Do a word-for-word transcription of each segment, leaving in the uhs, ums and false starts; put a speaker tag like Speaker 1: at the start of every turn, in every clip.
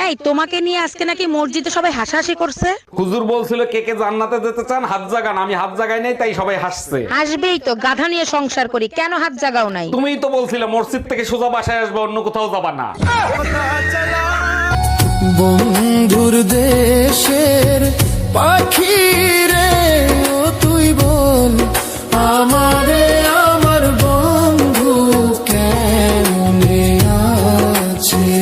Speaker 1: এই তোমাকে নিয়ে আজকে নাকি মসজিদে সবাই হাসাহাসি করছে।
Speaker 2: হুজুর বলছিল কে কে জান্নাতে যেতে চান হাত জাগান, আমি হাত জাগাই নাই তাই সবাই হাসছে।
Speaker 1: হাসবেই তো, গাধা নিয়ে সংসার করি, কেন হাত জাগাও নাই?
Speaker 2: তুমিই তো বলছিলে মসজিদ থেকে সোজা বাসায় আসবে, অন্য কোথাও যাবা না।
Speaker 3: বন্ধুর দেশের পাখি রে ও তুই বল আমারে আমার বন্ধু কেমনে আছে।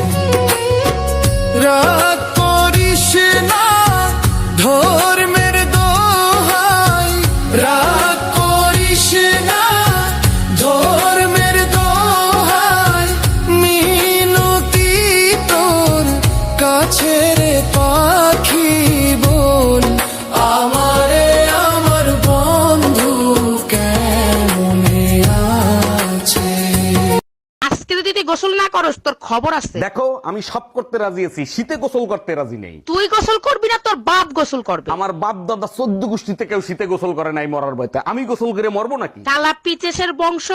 Speaker 3: রাগ করিস না ধর্মের দোহাই, রাগ করিস না ধর্মের দোহাই, মিনতি তোর কাছে রে পাখি বল আমারে আমার বন্ধু কেমনে আছে।
Speaker 1: আজকে যদি তুই গোসল না করস তোর খবর আছে।
Speaker 2: দেখো আমি সব করতে রাজি আছি, শীতে গোসল করতে রাজি নেই।
Speaker 1: তুই গোসল করবি না, তোর বাপ গোসল করবে।
Speaker 2: আমার বাপ দাদা চোদ্দ গোষ্ঠীতে কেউ শীতে গোসল করে নাই মরার ভয়তে, আমি গোসল করে মরবো নাকি?
Speaker 1: কালা পিচেসের বংশ।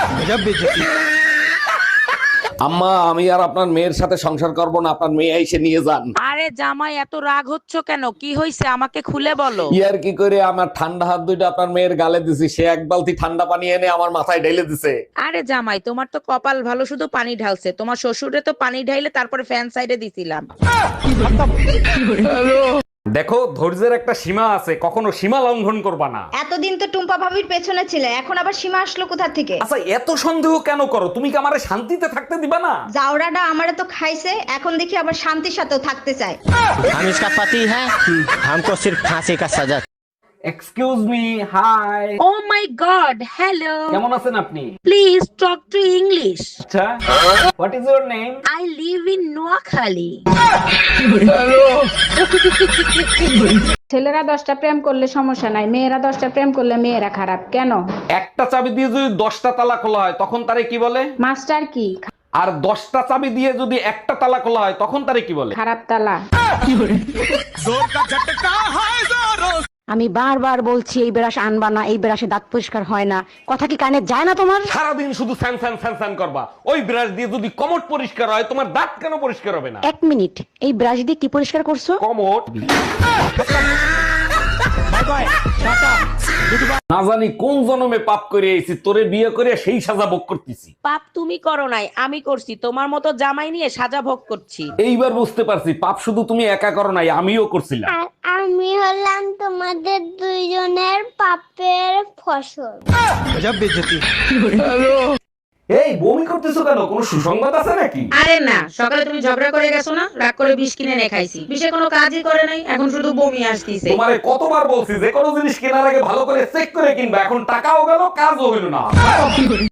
Speaker 2: আম্মা আমি আর আপনার মেয়ের সাথে সংসার করব না, আপনার মেয়ে এসে নিয়ে যান।
Speaker 1: আরে জামাই এত রাগ হচ্ছ কেন, কি হইছে আমাকে খুলে বলো।
Speaker 2: ইয়ার কি করে আমার ঠান্ডা হাত দুইটা আপনার মেয়ের গালে দিছি, সে এক বালতি ঠান্ডা পানি এনে আমার মাথায় ঢেলে দিছে।
Speaker 1: আরে জামাই তোমার তো কপাল ভালো, শুধু পানি ঢালছে, তোমার শ্বশুরে তো পানি ঢাইলে তারপরে ফ্যান সাইডে দিছিলাম।
Speaker 2: দেখো ধৈর্যের একটা সীমা আছে, কখনো সীমা লঙ্ঘন করবা না।
Speaker 4: এতদিন তো টুম্পা ভাবির পেছনে ছিলে, এখন আবার সীমা আসলো কোথা থেকে?
Speaker 2: আচ্ছা এত সন্দেহ কেন করো? তুমি কি আমারে শান্তিতে থাকতে দিবা না?
Speaker 4: জাউরাটা আমারে তো খাইছে, এখন দেখি আবার শান্তির সাথেও থাকতে চায়।
Speaker 5: हम इसका पति है, हमको सिर्फ फांसी का सजा।
Speaker 2: Excuse me, hi.
Speaker 1: Oh my god, hello.
Speaker 2: কেমন আছেন আপনি?
Speaker 1: Please talk to English.
Speaker 2: আচ্ছা what is your name?
Speaker 1: I live in Noakhali.
Speaker 6: ছেলেরা দশটা প্রেম করলে সমস্যা নাই, মেয়েরা দশটা প্রেম করলে মেয়েরা খারাপ কেন?
Speaker 2: একটা চাবি দিয়ে যদি দশটা তালা খোলা হয় তখন তারে কি বলে?
Speaker 6: মাস্টার কি?
Speaker 2: আর দশটা চাবি দিয়ে যদি একটা তালা খোলা হয় তখন তারে কি বলে?
Speaker 6: খারাপ তালা।
Speaker 7: আমি বারবার বলছি এই ব্রাশ আনবা না, এই ব্রাশে দাঁত পরিষ্কার হয় না, কথা কি কানে যায় না তোমার?
Speaker 2: সারাদিন শুধু ফ্যান ফ্যান ফ্যান ফ্যান করবা, ওই ব্রাশ দিয়ে যদি কমট পরিষ্কার হয় তোমার দাঁত কেন পরিষ্কার হবে না?
Speaker 7: এক মিনিট, এই ব্রাশ দিয়ে কি পরিষ্কার করছো?
Speaker 2: কমট। না জানি কোন জন্মে পাপ করে আইছি, তোরে বিয়ে করে সেই সাজা ভোগ করতেছি।
Speaker 1: পাপ তুমি করো নাই, আমি করছি, তোমার মতো জামাই নিয়ে সাজা ভোগ করছি।
Speaker 2: এইবার বুঝতে পারছি পাপ শুধু তুমি একা করো নাই, আমিও করছিলাম।
Speaker 8: আর আমি হলাম তোমাদের দুইজনের পাপের ফসল।
Speaker 2: এই বমি করতেছো কেন, কোনো সুসংবাদ আছে নাকি?
Speaker 1: আরে না, সকালে তুমি ঝগড়া করে গেছো না, রাগ করে বিষ কিনে এনে খাইছি, বিষে কোনো কাজই করে নাই, এখন শুধু বমি আসতিছে।
Speaker 2: তোমারে কতবার বলছি যে কোনো জিনিস কেনার আগে ভালো করে চেক করে কিনবা, এখন টাকাও গেল কাজও হইল না।